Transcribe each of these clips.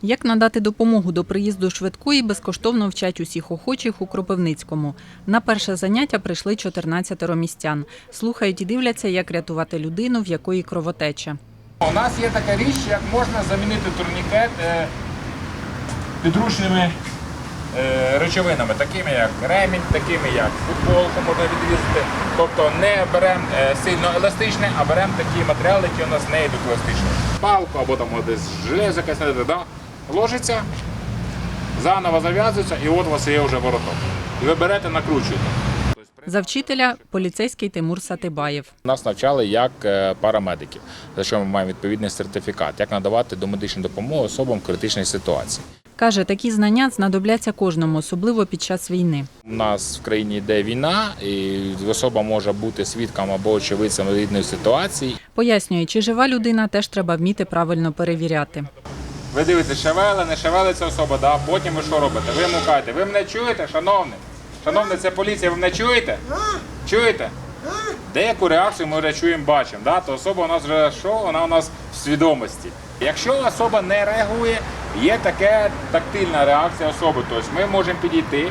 Як надати допомогу до приїзду швидкої, безкоштовно вчать усіх охочих у Кропивницькому. На перше заняття прийшли 14 містян. Слухають і дивляться, як рятувати людину, в якої кровотеча. У нас є така річ, як можна замінити турнікет підручними речовинами, такими як ремінь, такими як футболку можна відрізати. Тобто не беремо сильно еластичне, а беремо такі матеріали, які у нас не йдуть еластичні. Палку або там десь железо якесь, ложиться, заново зав'язується і от у вас є вже вороток. І ви берете, накручуєте. За вчителя – поліцейський Тимур Сатибаєв. Нас навчали як парамедиків, за що ми маємо відповідний сертифікат, як надавати домедичну допомогу особам в критичній ситуації. Каже, такі знання знадобляться кожному, особливо під час війни. У нас в країні йде війна, і особа може бути свідком або очевидцем різної ситуації. Пояснює, чи жива людина, теж треба вміти правильно перевіряти. Ви дивитеся, шевели, не шевелиться особа, да? Потім ви що робите? Ви мукаєте. Ви мене чуєте, шановний? Шановний, це поліція, ви мене чуєте? Чуєте? Деяку реакцію ми вже чуємо, бачимо. Да? То особа у нас вже що? Вона у нас в свідомості. Якщо особа не реагує, є така тактильна реакція особи. Тобто ми можемо підійти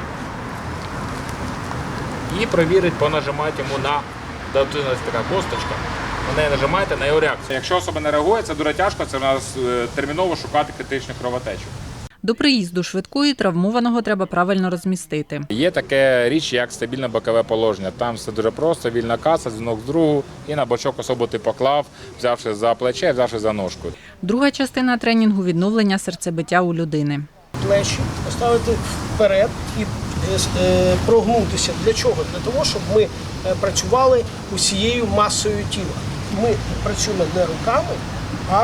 і перевірити, понажимати йому на така косточка. На неї нажимаєте на його реакцію. Якщо особа не реагує, це дуже тяжко, це у нас терміново шукати критичну кровотечу. До приїзду швидкої травмованого треба правильно розмістити. Є така річ, як стабільне бокове положення. Там все дуже просто, вільна каса, дзвінок з другу, і на бочок особу ти поклав, взявши за плече, взявши за ножку. Друга частина тренінгу – відновлення серцебиття у людини. Плечі поставити вперед і прогнутися. Для чого? Для того, щоб ми працювали усією масою тіла. Ми працюємо не руками, а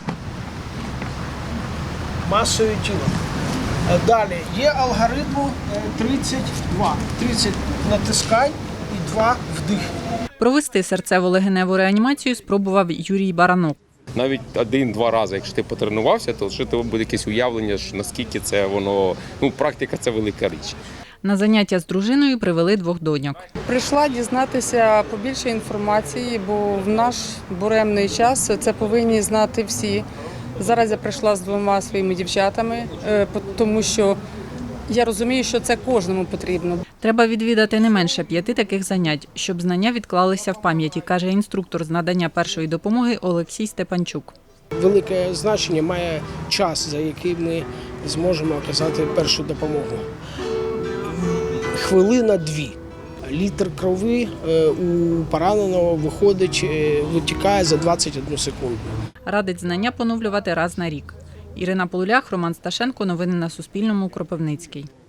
масою тіла. Далі є алгоритм 32. 30 натискань і 2 вдих. Провести серцево-легеневу реанімацію спробував Юрій Баранок. Навіть 1-2 рази, якщо ти потренувався, то що тебе буде якесь уявлення, наскільки це воно, практика – це велика річ. На заняття з дружиною привели 2 доньок. Прийшла дізнатися побільше інформації, бо в наш буремний час це повинні знати всі. Зараз я прийшла з 2 своїми дівчатами, тому що я розумію, що це кожному потрібно. Треба відвідати не менше 5 таких занять, щоб знання відклалися в пам'яті, каже інструктор з надання першої допомоги Олексій Степанчук. Велике значення має час, за який ми зможемо оказати першу допомогу. Хвилина 2. Літр крові у пораненого витікає за 21 секунду. Радить знання поновлювати раз на рік. Ірина Полулях, Роман Сташенко. Новини на Суспільному. Кропивницький.